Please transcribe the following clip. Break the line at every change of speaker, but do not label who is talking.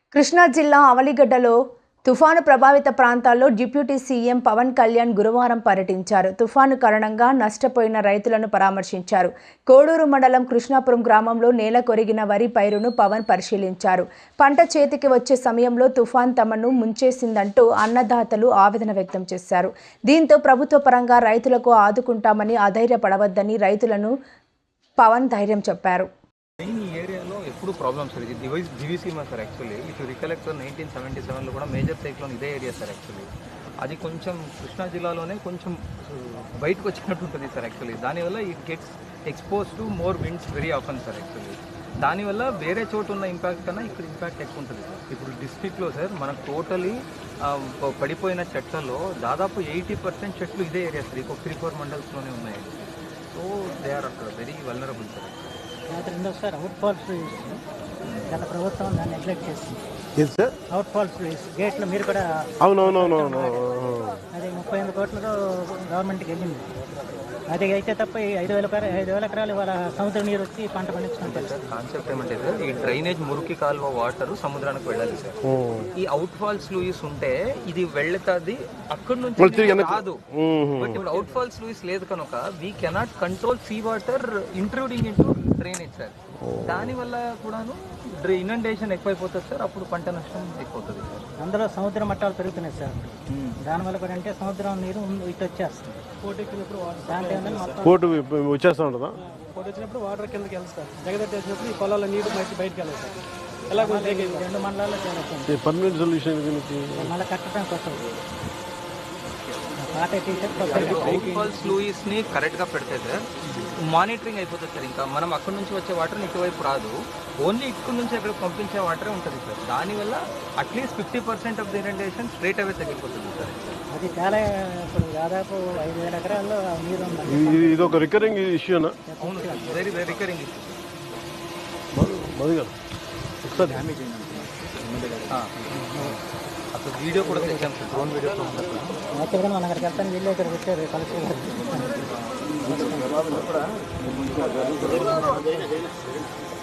కృష్ణా జిల్లా అవలిగడ్డలో తుఫాను ప్రభావిత ప్రాంతాల్లో డిప్యూటీ సీఎం పవన్ కళ్యాణ్ గురువారం పర్యటించారు. తుఫాను కారణంగా నష్టపోయిన రైతులను పరామర్శించారు. కోడూరు మండలం కృష్ణాపురం గ్రామంలో నేల కొరిగిన వరి పైరును పవన్ పరిశీలించారు. పంట చేతికి వచ్చే సమయంలో తుఫాన్ తమను ముంచేసిందంటూ అన్నదాతలు ఆవేదన వ్యక్తం చేశారు. దీంతో ప్రభుత్వ పరంగా రైతులకు ఆదుకుంటామని అధైర్యపడవద్దని రైతులను పవన్ ధైర్యం చెప్పారు.
మెయిన్ ఈ ఏరియాలో ఎప్పుడు ప్రాబ్లమ్స్ సార్. ఇది Diviseema sir. Actually if you recollect 1977లో కూడా మేజర్ సైక్లోన్ ఇదే ఏరియా సార్. యాక్చువల్లీ అది కొంచెం కృష్ణా జిల్లాలోనే కొంచెం బయటకు వచ్చినట్టు ఉంటుంది సార్. యాక్చువల్లీ దానివల్ల it gets expose to more winds very often sir. Actually దానివల్ల వేరే చోటు ఉన్న ఇంపాక్ట్ కన్నా ఇక్కడ ఇంపాక్ట్ ఎక్కువ ఉంటుంది సార్. ఇప్పుడు డిస్ట్రిక్ట్లో సార్ మనకు టోటలీ పడిపోయిన చెట్లలో దాదాపు 80% చెట్లు ఇదే ఏరియా సార్. ఇంకొక 3-4 మండల్స్లోనే ఉన్నాయి. సో దే ఆర్ అక్కడ వెరీ వల్నరబుల్ సార్.
రెండోసారి అవుట్ ఫాల్స్ గత ప్రభుత్వం దాన్ని నెగ్లెక్ట్ చేస్తుంది
సార్.
అవుట్ ఫాల్స్ గేట్లో మీరు కూడా
అవునవునవునవును
అది 38 కోట్లతో గవర్నమెంట్కి వెళ్ళింది. అది అయితే తప్ప 5,000 ఎకరాలు వాళ్ళ సముద్ర నీరు వచ్చి పంట పండించుకుంటారు
సార్. కాన్సెప్ట్ ఏమంటే సార్, ఈ డ్రైనేజ్ మురికి కాలువ వాటర్ సముద్రానికి వెళ్ళాలి సార్. ఈ అవుట్ ఫాల్స్ లూయిస్ ఉంటే ఇది వెళ్తుంది అక్కడి నుంచి కాదు. బట్ ఇప్పుడు అవుట్ ఫాల్స్ లూయిస్ లేదు కనుక we cannot control sea water intruding into drainage sir. దానివల్ల కూడాను ఇనండేషన్ ఎక్కువైపోతుంది సార్. అప్పుడు పంట నష్టం ఎక్కువవుతుంది సార్.
అందులో సముద్ర మట్టాలు పెరుగుతున్నాయి సార్. దానివల్ల కూడా అంటే సముద్రం నీరు ఇటు వచ్చేస్తుంది.
కోర్టు వచ్చేస్తా ఉంటుందా?
కోర్టు వచ్చినప్పుడు వాటర్ కిందకి వెళ్తారు. జగదత్తి వచ్చినప్పుడు ఈ పొలాల నీరు బయటకు వెళ్ళాలి సార్. ఎలా
2 మండలాల్లో చేరుతుంది.
పర్మనెంట్ సొల్యూషన్
మళ్ళీ కట్టడం కోసం
అవుట్ ఫాల్స్ లూయిస్ ని కరెక్ట్ గా పెడితే సార్ మానిటరింగ్ అయిపోతుంది సార్. ఇంకా మనం అక్కడ నుంచి వచ్చే వాటర్ ఇటువైపు రాదు. ఓన్లీ ఇక్కడ నుంచి అక్కడ పంపించే వాటరే ఉంటుంది సార్. దానివల్ల at least 50% of the irrigation straight away తగ్గిపోతుంది సార్.
అది చాలా ఇప్పుడు దాదాపు 5,000 ఎకరాల్లో నీరు ఉంది.
ఇది ఒక రికరింగ్ ఇష్యూనా?
అవును sir, very very recurring issue.
ఒకసారి
డ్యామేజ్ అయింది అసలు వీడియో కూడా తెచ్చాం సార్. డ్రోన్ వీడియో
యాక్చువల్గా మనం అక్కడికి వెళ్తాను. వీళ్ళు ఇక్కడికి వచ్చారు కలెక్టర్.